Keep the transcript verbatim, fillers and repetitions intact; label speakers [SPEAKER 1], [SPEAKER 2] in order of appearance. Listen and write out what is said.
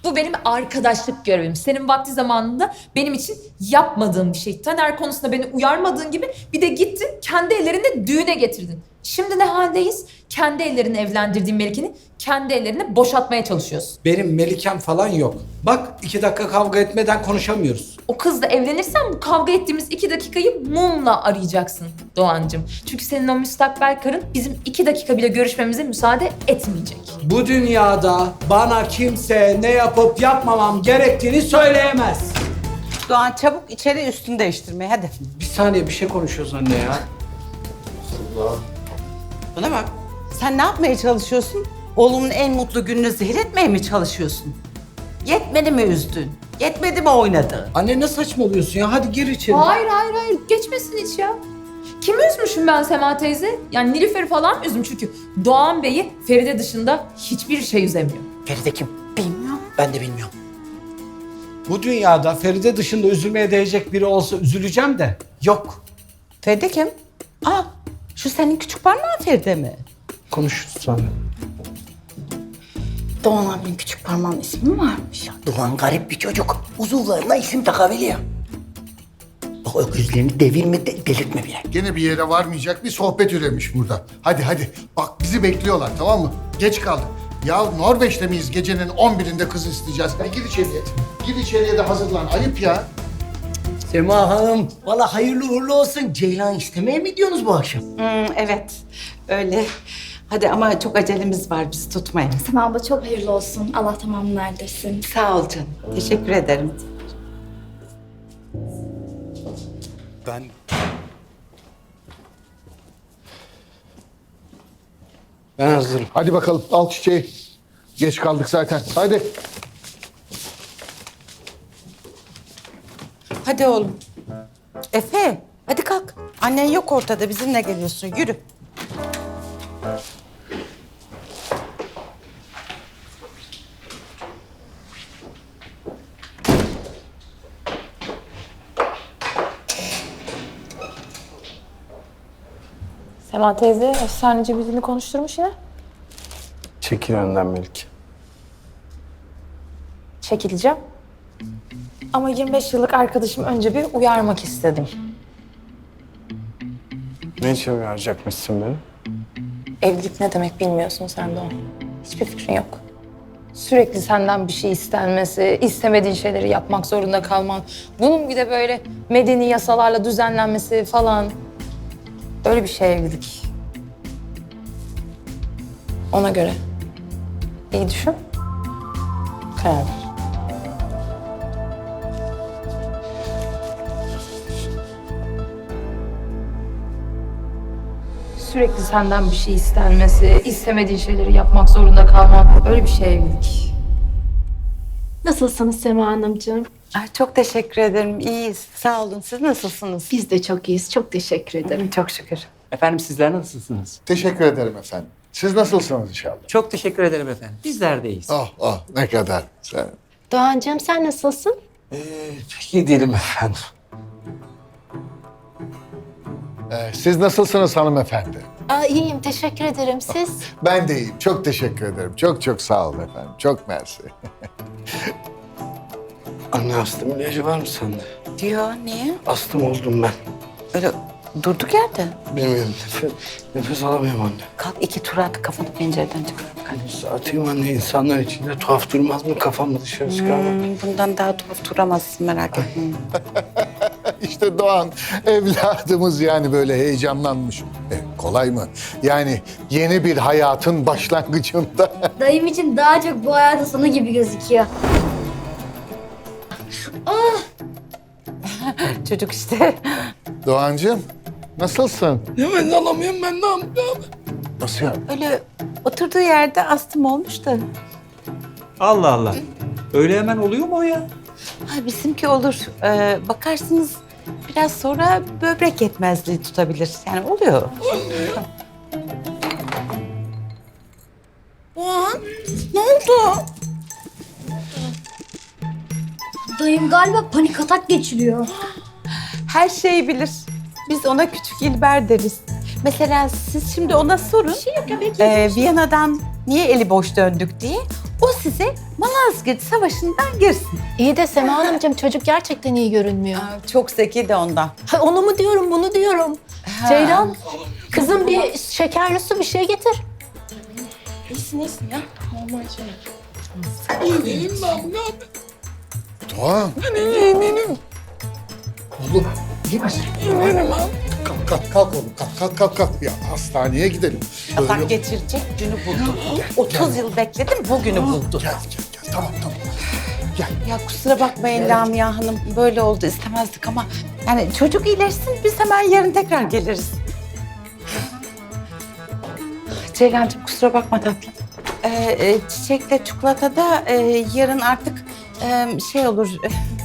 [SPEAKER 1] Bu benim arkadaşlık görevim. Senin vakti zamanında benim için yapmadığın bir şey. Taner konusunda beni uyarmadığın gibi bir de gittin kendi ellerinde düğüne getirdin. Şimdi ne haldeyiz? Kendi ellerini evlendirdiğin Melike'ni kendi ellerine boşaltmaya çalışıyorsun.
[SPEAKER 2] Benim Melikem falan yok. Bak iki dakika kavga etmeden konuşamıyoruz.
[SPEAKER 1] O kızla evlenirsen bu kavga ettiğimiz iki dakikayı mumla arayacaksın Doğancığım. Çünkü senin o müstakbel karın bizim iki dakika bile görüşmemize müsaade etmeyecek.
[SPEAKER 2] Bu dünyada bana kimse ne yapıp yapmamam gerektiğini söyleyemez.
[SPEAKER 3] Doğan çabuk içeri üstünü değiştirmeye hadi.
[SPEAKER 2] Bir saniye bir şey konuşuyoruz anne ya.
[SPEAKER 3] Buna bak. Sen ne yapmaya çalışıyorsun? Oğlumun en mutlu gününü zehir etmeye mi çalışıyorsun? Yetmedi mi üzdün? Yetmedi mi oynadı?
[SPEAKER 2] Anne ne saçmalıyorsun ya? Hadi gir içeri.
[SPEAKER 1] Hayır hayır hayır geçmesin hiç ya. Kimi üzmüşüm ben Sema teyze? Yani Nilüfer'i falan mı üzüm çünkü Doğan Bey'i Feride dışında hiçbir şey üzemiyor.
[SPEAKER 4] Feride kim?
[SPEAKER 3] Bilmiyorum.
[SPEAKER 4] Ben de bilmiyorum.
[SPEAKER 2] Bu dünyada Feride dışında üzülmeye değecek biri olsa üzüleceğim de yok.
[SPEAKER 3] Feride kim? Aa, şu senin küçük parmağın Feride mi?
[SPEAKER 2] Konuşuruz sonra.
[SPEAKER 5] Doğan abinin küçük parmağın ismi mi varmış?
[SPEAKER 4] Doğan garip bir çocuk. Uzuvlarına isim takabiliyor. Bak o gözlerini devirme, de, delirtme bile.
[SPEAKER 6] Gene bir yere varmayacak bir sohbet üremiş burada. Hadi hadi. Bak bizi bekliyorlar tamam mı? Geç kaldık. Ya Norveç'te miyiz? Gecenin on birinde kız isteyeceğiz. Hadi gir içeriye. Gir içeriye de hazırlan. Ayıp ya.
[SPEAKER 4] Sema Hanım, valla hayırlı uğurlu olsun. Ceylan istemeye mi gidiyorsunuz bu akşam?
[SPEAKER 3] Hmm, evet, öyle. Hadi ama çok acelemiz var, bizi tutmayın.
[SPEAKER 5] Sema abla çok hayırlı olsun. Allah tamamını erdirsin.
[SPEAKER 3] Sağ ol canım. Teşekkür ederim.
[SPEAKER 2] Ben... Ben hazırım.
[SPEAKER 6] Hadi bakalım al çiçeği. Geç kaldık zaten. Hadi.
[SPEAKER 3] Hadi oğlum. Efe, hadi kalk. Annen yok ortada, bizimle geliyorsun. Yürü.
[SPEAKER 1] Sema teyze efsaneci birini konuşturmuş yine.
[SPEAKER 2] Çekil önden Melik.
[SPEAKER 1] Çekileceğim. Ama yirmi beş yıllık arkadaşım önce bir uyarmak istedim.
[SPEAKER 2] Ne için uyaracakmışsın beni?
[SPEAKER 1] Evlilik ne demek bilmiyorsun sen de o. Hiçbir fikrin yok. Sürekli senden bir şey istenmesi, istemediğin şeyleri yapmak zorunda kalman. Bunun bir de böyle medeni yasalarla düzenlenmesi falan. Öyle bir şey evlilik. Ona göre. İyi düşün. Karar ver. Sürekli senden bir şey istenmesi, istemediğin şeyleri yapmak zorunda kalman. Öyle bir şey evlilik.
[SPEAKER 5] Nasılsınız Sema Hanımcığım?
[SPEAKER 3] Ay, çok teşekkür ederim. İyiyiz. Sağ olun. Siz nasılsınız?
[SPEAKER 5] Biz de çok iyiyiz. Çok teşekkür ederim.
[SPEAKER 3] Çok şükür.
[SPEAKER 7] Efendim sizler nasılsınız?
[SPEAKER 6] Teşekkür ederim efendim. Siz nasılsınız inşallah?
[SPEAKER 7] Çok teşekkür ederim efendim. Bizler de iyiyiz.
[SPEAKER 6] Oh oh ne kadar güzel.
[SPEAKER 5] Doğancığım sen nasılsın?
[SPEAKER 2] Ee, pek iyi değilim efendim.
[SPEAKER 6] Ee, siz nasılsınız hanımefendi?
[SPEAKER 5] Aa, iyiyim. Teşekkür ederim. Siz?
[SPEAKER 6] Ben de iyiyim. Çok teşekkür ederim. Çok çok sağ olun efendim. Çok mersi.
[SPEAKER 2] Anne astım ilacı var mı sende?
[SPEAKER 3] Diyor, niye?
[SPEAKER 2] Astım oldum ben.
[SPEAKER 3] Öyle durduk yerde.
[SPEAKER 2] Bilmiyorum nefes, nefes alamıyorum anne.
[SPEAKER 3] Kalk iki tur at, kafanı pencereden çıkar. Hadi.
[SPEAKER 2] Atayım anne insanlar içinde tuhaf durmaz mı? Kafamı dışarı çıkarmak.
[SPEAKER 3] Hmm, bundan daha tuhaf duramazsın, merak etme.
[SPEAKER 6] İşte Doğan evladımız yani böyle heyecanlanmış. E, kolay mı? Yani yeni bir hayatın başlangıcında.
[SPEAKER 8] Dayım için daha çok bu hayatın sonu gibi gözüküyor.
[SPEAKER 3] Çocuk işte.
[SPEAKER 6] Doğancığım nasılsın?
[SPEAKER 2] Nefes alamıyorum ben ne yapayım?
[SPEAKER 6] Nasıl ya?
[SPEAKER 3] Öyle oturduğu yerde astım olmuş da.
[SPEAKER 7] Allah Allah. Öyle hemen oluyor mu o ya?
[SPEAKER 3] Ha, bizimki olur. Ee, bakarsınız biraz sonra böbrek yetmezliği tutabilir. Yani oluyor. Doğan, ne oldu?
[SPEAKER 8] Dayım galiba panik atak geçiriyor.
[SPEAKER 3] Her şeyi bilir. Biz ona küçük İlber deriz. Mesela siz şimdi ona sorun. Ee, Viyana'dan niye eli boş döndük diye. O size Malazgirt Savaşı'ndan girsin.
[SPEAKER 5] İyi de Sema Hanımcığım çocuk gerçekten iyi görünmüyor.
[SPEAKER 3] Çok zeki de ondan.
[SPEAKER 5] Ha, onu mu diyorum bunu diyorum. Ceylan kızım bir şekerli su bir şey getir.
[SPEAKER 6] Doğan. Oğlum iyi misin? Kalk kalk kalk oğlum kalk kalk kalk kalk. Ya hastaneye gidelim. Böyle-
[SPEAKER 3] Atak geçirecek günü buldu. otuz yıl bekledim bugünü buldu.
[SPEAKER 6] Gel gel gel tamam tamam. Gel.
[SPEAKER 3] Ya kusura bakmayın Lamia Hanım böyle oldu istemezdik ama yani çocuk iyileşsin biz hemen yarın tekrar geliriz. Ceylancığım kusura bakma tatlım. Ee, e, çiçekle çikolata da e, yarın artık e, şey olur